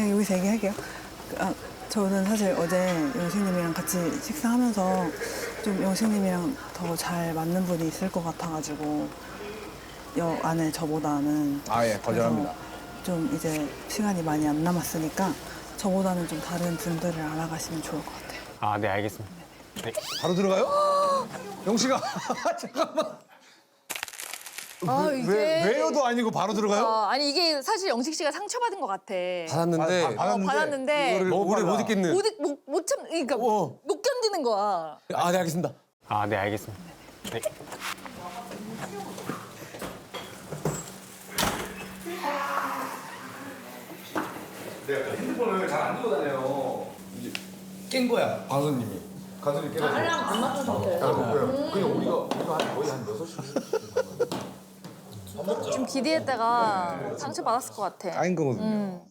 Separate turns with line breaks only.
그냥 여기서 얘기할게요. 저는 사실 어제 영식님이랑 같이 식사하면서 좀 영식님이랑 더 잘 맞는 분이 있을 것 같아가지고 여 안에 저보다는.
예, 거절합니다.
그래서 좀 이제 시간이 많이 안 남았으니까 저보다는 좀 다른 분들을 알아가시면 좋을 것 같아요.
아, 네, 알겠습니다. 네.
바로 들어가요? 영식아, 잠깐만. 왜요도 아니고 바로 들어가요?
아니 이게 사실 영식 씨가 상처받은 것 같아.
받았는데
받았는데
이거를
오래 못 있겠는.
그러니까 못 견디는 거야.
아, 네, 알겠습니다.
아, 네, 알겠습니다. 네.
내가 핸드폰을 잘 안 들고 다녀요. 이제 깬 거야, 광수님이. 광수님이 깨가지고.
알람 안 맞춘 상태예요.
그냥 우리가 거의 한 6시.
좀 기대했다가 상처 받았을 것 같아.
까인 거거든요.